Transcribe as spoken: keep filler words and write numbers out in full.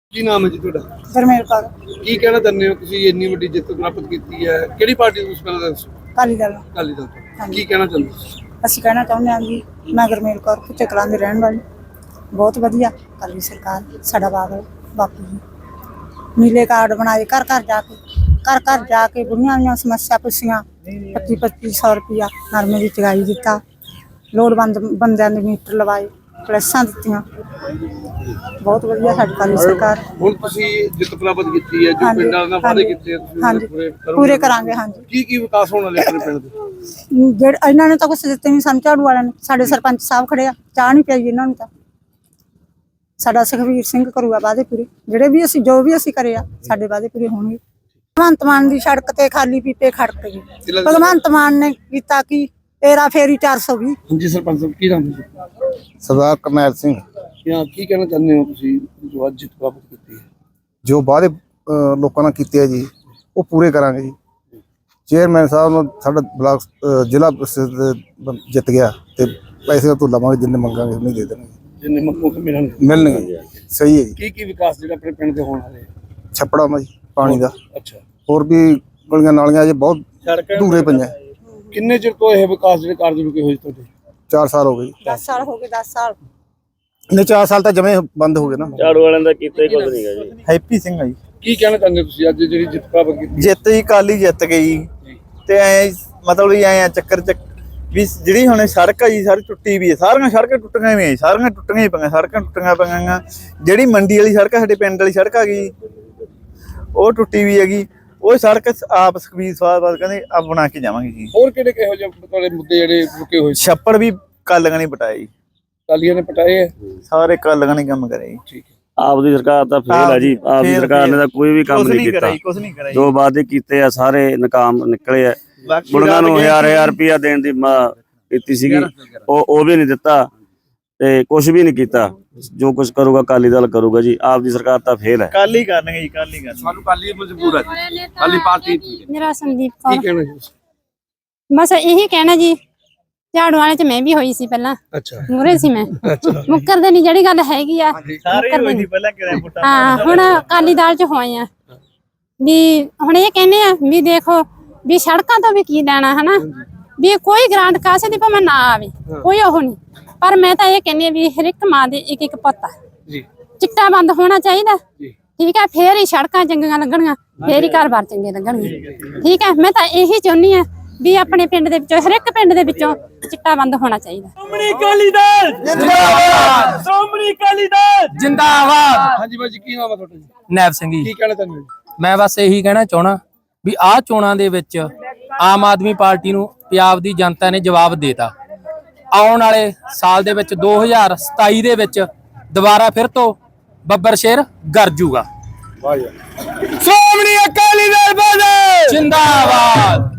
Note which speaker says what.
Speaker 1: ਕੀ ਨਾਮ ਹੈ ਜੀ ਤੁਹਾਡਾ?
Speaker 2: ਗਰਮੇਲ ਕੌਰ।
Speaker 1: ਕੀ ਕਹਿਣਾ ਚਾਹੁੰਦੇ ਹੋ ਤੁਸੀਂ ਇੰਨੀ ਵੱਡੀ ਜਿੱਤ ਪ੍ਰਾਪਤ ਕੀਤੀ ਹੈ? ਕਿਹੜੀ ਪਾਰਟੀ ਤੋਂ ਪਹਿਲਾਂ ਦੱਸੋ?
Speaker 2: ਅਕਾਲੀ ਦਲ।
Speaker 1: ਅਕਾਲੀ ਦਲ ਤੋਂ। ਕੀ ਕਹਿਣਾ ਚਾਹੁੰਦੇ ਹੋ?
Speaker 2: ਅਸੀਂ ਕਹਿਣਾ ਚਾਹੁੰਦੇ ਹਾਂ ਜੀ, ਮੈਂ ਗਰਮੇਲ ਕੌਰ ਕੁੱਤੇ ਕਲਾਂ ਦੀ ਰਹਿਣ ਵਾਲੀ, ਬਹੁਤ ਵਧੀਆ ਅਕਾਲੀ ਸਰਕਾਰ ਸਾਡਾ ਬਾਦਲ ਬਾਪੂ ਜੀ ਨੀਲੇ ਕਾਰਡ ਬਣਾਏ, ਘਰ ਘਰ ਜਾ ਕੇ ਘਰ ਘਰ ਜਾ ਕੇ ਬੁੜੀਆਂ ਦੀਆਂ ਸਮੱਸਿਆ ਪੁੱਛੀਆਂ, ਪੱਚੀ ਪੱਚੀ ਸੌ ਰੁਪਇਆ ਨਰਮੇ ਦੀ ਚੁਗਾਈ ਦਿੱਤਾ, ਲੋੜਵੰਦ ਬੰਦਿਆਂ ਦੇ ਮੀਟਰ ਲਵਾਏ, ਕਲੈਸਾਂ ਦਿੱਤੀਆਂ, ਬਹੁਤ ਵਧੀਆ ਸਾਡੀ ਅਕਾਲੀ ਸਰਕਾਰ।
Speaker 1: ਹੁਣ ਤੁਸੀਂ ਜਿੱਤ ਪ੍ਰਾਪਤ ਕੀਤੀ ਹੈ, ਜੋ ਪਿੰਡਾਂ ਨਾਲ ਵਾਅਦੇ ਕੀਤੇ
Speaker 2: ਹਾਂਜੀ ਪੂਰੇ ਕਰਾਂਗੇ। ਹਾਂਜੀ।
Speaker 1: ਕੀ ਕੀ ਵਿਕਾਸ ਹੋਣ ਵਾਲੇ ਆਪਣੇ ਪਿੰਡ ਦੇ?
Speaker 2: ਜਿਹੜੇ ਇਹਨਾਂ ਨੇ ਤਾਂ ਕੁਛ ਦਿੱਤੇ ਨਹੀਂ ਸਾਨੂੰ, ਝਾੜੂ ਵਾਲਿਆਂ ਨੇ। ਸਾਡੇ ਸਰਪੰਚ ਸਾਹਿਬ ਖੜੇ ਆ, ਚਾਹ ਨਹੀਂ ਪਿਆਈ ਇਹਨਾਂ ਨੂੰ। ਤਾਂ ਸਾਡਾ ਸੁਖਵੀਰ ਸਿੰਘ ਕਰੂਗਾ ਵਾਅਦੇ ਪੂਰੇ, ਜਿਹੜੇ ਵੀ ਅਸੀਂ ਜੋ ਵੀ ਅਸੀਂ ਕਰੇ ਆ ਸਾਡੇ ਵਾਅਦੇ ਪੂਰੇ ਹੋਣਗੇ। ਭਗਵੰਤ ਮਾਨ ਦੀ ਸੜਕ ਤੇ ਖਾਲੀ ਪੀਪੇ ਖੜਕ ਗਏ। ਭਗਵੰਤ ਮਾਨ ਨੇ ਕੀਤਾ ਕੀ? ਤੇਰਾ ਫੇਰੀ ਚਾਰ ਸੌ ਵੀਹ।
Speaker 1: ਹਾਂਜੀ ਸਰਪੰਚ ਸਾਹਿਬ, ਕੀ ਨਾਮ ਹੈ?
Speaker 3: ਸਰਦਾਰ ਕਰਨੈਲ ਸਿੰਘ।
Speaker 1: ਕੀ ਕਹਿਣਾ ਚਾਹੁੰਦੇ ਹੋ ਤੁਸੀਂ ਜੋ ਅੱਜ ਜਿੱਤ ਪ੍ਰਾਪਤ ਕੀਤੀ ਹੈ?
Speaker 3: ਜੋ ਵਾਅਦੇ ਲੋਕਾਂ ਨਾਲ ਕੀਤੇ ਆ ਜੀ, ਉਹ ਪੂਰੇ ਕਰਾਂਗੇ ਜੀ। ਚੇਅਰਮੈਨ ਸਾਹਿਬ ਨੂੰ ਸਾਡਾ ਬਲਾਕ ਜ਼ਿਲ੍ਹਾ ਜਿੱਤ ਗਿਆ ਤੇ ਪੈਸੇ ਤੋਂ ਲਵਾਂਗੇ, ਜਿੰਨੇ ਮੰਗਾਂਗੇ ਉਹਨੇ ਦੇ ਦੇਣਗੇ,
Speaker 1: ਜਿੰਨੇ ਮੰਗੋਗੇ ਮਿਲਣਗੇ
Speaker 3: ਮਿਲਣਗੇ। ਸਹੀ ਹੈ ਜੀ।
Speaker 1: ਕੀ ਕੀ ਵਿਕਾਸ ਜਿਹੜਾ ਆਪਣੇ ਪਿੰਡ ਦੇ ਹੋਣ ਵਾਲੇ?
Speaker 3: ਛੱਪੜਾਂ ਦਾ ਜੀ, ਪਾਣੀ ਦਾ।
Speaker 1: ਅੱਛਾ। ਹੋਰ
Speaker 3: ਵੀ ਗਲੀਆਂ ਨਾਲੀਆਂ ਜੇ ਬਹੁਤ ਦੂਰੇ ਪਈਆਂ।
Speaker 1: ਕਿੰਨੇ ਚਿਰ ਤੋਂ ਇਹ ਵਿਕਾਸ ਜਿਹੜੇ ਕਾਰਜ ਰੁਕੇ ਹੋਏ ਤੁਹਾਡੇ?
Speaker 3: ਚਾਰ ਸਾਲ ਹੋ ਗਏ।
Speaker 2: ਦਸ ਸਾਲ ਹੋ ਗਏ। ਦਸ ਸਾਲ
Speaker 3: ਨਹੀਂ, ਚਾਰ ਸਾਲ ਤਾਂ ਜਮੇ ਬੰਦ ਹੋ ਗਏ ਨਾ।
Speaker 4: ਝਾੜੂ ਵਾਲਿਆਂ ਦਾ ਕੀਤਾ ਹੀ ਕੁਝ ਨਹੀਂ ਗਾ ਜੀ।
Speaker 3: ਹੈਪੀ ਸਿੰਘ ਆ ਜੀ।
Speaker 1: ਕੀ ਕਹਿਣਾ ਚਾਹੁੰਦੇ ਤੁਸੀਂ ਅੱਜ ਜਿਹੜੀ ਜਿੱਤ ਪ੍ਰਾਪਤ ਕੀਤੀ?
Speaker 5: ਜਿੱਤ ਜੀ ਕਾਲੀ ਜਿੱਤ ਗਈ ਤੇ ਐ ਮਤਲਬ ਵੀ ਐ ਚੱਕਰ ਚ ਵੀ ਜਿਹੜੀ ਹੁਣ ਸੜਕ ਆ ਜੀ ਸਾਰੀ ਟੁੱਟੀ ਵੀ ਹੈ। ਸਾਰੀਆਂ ਸੜਕਾਂ ਟੁੱਟੀਆਂ ਵੀ ਸਾਰੀਆਂ ਟੁੱਟੀਆਂ ਹੀ ਪਈਆਂ, ਸੜਕਾਂ ਟੁੱਟੀਆਂ ਪਈਆਂ। ਜਿਹੜੀ ਮੰਡੀ ਵਾਲੀ ਸੜਕ ਸਾਡੇ ਪਿੰਡ ਵਾਲੀ ਸੜਕ ਆ ਗਈ, ਉਹ ਟੁੱਟੀ ਵੀ ਹੈਗੀ। ਉਹ ਸੜਕ ਆਪ ਸੁਖਬੀਰ ਸਾਹਿਬ ਕਹਿੰਦੇ ਆਪ ਬਣਾ ਕੇ ਜਾਵਾਂਗੇ ਜੀ।
Speaker 1: ਹੋਰ ਕਿਹੜੇ ਕਿਹੋ ਜਿਹੇ ਤੁਹਾਡੇ ਮੁੱਦੇ ਜਿਹੜੇ ਰੁਕੇ ਹੋਏ?
Speaker 5: ਛੱਪੜ ਵੀ ਕਾਲੀਆਂ ਨੇ ਪਟਾਏ ਜੀ।
Speaker 1: ਕਾਲੀਆਂ ਨੇ ਪਟਾਏ ਹੈ?
Speaker 5: ਸਾਰੇ ਕਾਲੀਆਂ ਨੇ ਕੰਮ ਕਰੇ ਜੀ।
Speaker 1: ਠੀਕ ਹੈ।
Speaker 4: ਆਪ ਦੀ ਸਰਕਾਰ ਤਾਂ ਫੇਲ ਹੈ ਜੀ। ਆਪ ਦੀ ਸਰਕਾਰ ਨੇ ਤਾਂ ਕੋਈ ਵੀ ਕੰਮ ਨਹੀਂ ਕੀਤਾ।
Speaker 5: ਕੁਝ ਨਹੀਂ ਕਰਿਆ।
Speaker 4: ਜੋ ਵਾਅਦੇ ਕੀਤੇ ਆ ਸਾਰੇ ਨਾਕਾਮ ਨਿਕਲੇ ਆ। ਬੁੜੀਆਂ ਨੂੰ ਹਜ਼ਾਰ ਹਜ਼ਾਰ ਰੁਪਇਆ ਦੇਣ ਦੀ ਕੀਤੀ ਸੀਗੀ, ਉਹ ਉਹ ਵੀ ਨਹੀਂ ਦਿੱਤਾ ਤੇ ਕੁਝ ਵੀ ਨਹੀਂ ਕੀਤਾ। ਜੋ ਕੁਝ ਕਰੂਗਾ ਅਕਾਲੀ ਦਲ ਕਰੂਗਾ ਜੀ। ਆਪ ਦੀ ਸਰਕਾਰ ਤਾਂ ਫੇਲ ਹੈ।
Speaker 5: ਕਾਲੀ ਕਰਨਗੇ ਜੀ, ਕਾਲੀ ਕਰਨਗੇ।
Speaker 1: ਸਾਨੂੰ ਕਾਲੀ ਮਜਬੂਰ ਹੈ, ਕਾਲੀ ਪਾਰਟੀ।
Speaker 6: ਮੇਰਾ ਸੰਦੀਪ
Speaker 1: ਕੀ
Speaker 6: ਕੌਰ।
Speaker 1: ਕਹਿਣਾ ਜੀ?
Speaker 6: ਬਸ ਇਹੀ ਕਹਿਣਾ ਜੀ, ਝਾੜੂ ਵਾਲੇ ਚ ਮੈਂ ਵੀ ਹੋਈ ਸੀ ਪਹਿਲਾਂ।
Speaker 1: ਅੱਛਾ।
Speaker 6: ਮੂਰੇ ਸੀ ਮੈਂ।
Speaker 1: ਅੱਛਾ।
Speaker 6: ਮੁੱਕਰਦੇ ਨਹੀਂ, ਜਿਹੜੀ ਗੱਲ ਹੈਗੀ ਆ
Speaker 5: ਸਾਰੇ ਹੋਈ ਸੀ ਪਹਿਲਾਂ ਕਿਹੜਾ ਪੁੱਟਾ।
Speaker 6: ਹਾਂ, ਹੁਣ ਅਕਾਲੀ ਦਲ ਚ ਹੋਏ ਆ ਵੀ ਹੁਣ ਇਹ ਕਹਿੰਦੇ ਆ ਵੀ ਦੇਖੋ ਵੀ ਸੜਕਾਂ ਤੋਂ ਵੀ ਕੀ ਲੈਣਾ ਹਨਾ, ਵੀ ਕੋਈ ਗ੍ਰਾਂਟ ਕਾਸੇ ਦੀ ਭਾਵੇਂ ਨਾ ਆਵੇ, ਕੋਈ ਉਹ ਨਹੀਂ। ਪਰ ਮੈਂ ਤਾਂ ਇਹ ਕਹਿੰਦੀ ਆ ਵੀ ਹਰ ਇੱਕ ਮਾਂ ਦੇ ਇੱਕ ਇੱਕ ਪੁੱਤ ਆ ਜੀ। ਚਿੱਟਾ ਬੰਦ ਹੋਣਾ ਚਾਹੀਦਾ, ਠੀਕ ਹੈ? ਫੇਰ ਹੀ ਸੜਕਾਂ ਚੰਗੀਆਂ ਲੱਗਣਗੀਆਂ, ਫੇਰ ਹੀ ਘਰ-ਬਾਰ ਚੰਗੇ ਲੱਗਣਗੇ, ਠੀਕ ਹੈ? ਮੈਂ ਤਾਂ ਇਹੀ ਚਾਹੁੰਦੀ ਆ ਵੀ ਆਪਣੇ ਪਿੰਡ ਦੇ ਵਿੱਚੋਂ, ਹਰ ਇੱਕ ਪਿੰਡ ਦੇ ਵਿੱਚੋਂ ਚਿੱਟਾ ਬੰਦ ਹੋਣਾ ਚਾਹੀਦਾ।
Speaker 7: ਸ਼੍ਰੋਮਣੀ ਅਕਾਲੀ ਦਲ ਜਿੰਦਾਬਾਦ। ਸ਼੍ਰੋਮਣੀ ਅਕਾਲੀ ਦਲ ਜਿੰਦਾਬਾਦ।
Speaker 1: ਹਾਂਜੀ ਬਾਜੀ, ਕੀ ਨਾਮ ਹੈ ਤੁਹਾਡਾ ਜੀ?
Speaker 7: ਨੈਬ ਸਿੰਘ ਜੀ।
Speaker 1: ਕੀ ਕਹਿਣਾ ਚਾਹੁੰਦੇ ਹੋ?
Speaker 7: ਮੈਂ ਬਸ ਇਹੀ ਕਹਿਣਾ ਚਾਹਣਾ ਵੀ ਆਹ ਚੋਣਾਂ ਦੇ ਵਿੱਚ ਆਮ ਆਦਮੀ ਪਾਰਟੀ ਨੂੰ ਪੰਜਾਬ ਦੀ ਜਨਤਾ ਨੇ ਜਵਾਬ ਦੇਤਾ। ਆਉਣ ਵਾਲੇ ਸਾਲ ਦੇ ਵਿੱਚ ਦੋ ਹਜ਼ਾਰ ਸਤਾਈ ਦੇ ਵਿੱਚ ਦੁਬਾਰਾ ਫਿਰ ਤੋਂ ਬੱਬਰ ਸ਼ੇਰ ਗਰਜੂਗਾ।
Speaker 1: ਸ਼੍ਰੋਮਣੀ ਅਕਾਲੀ ਦਲ ਜਿੰਦਾਬਾਦ।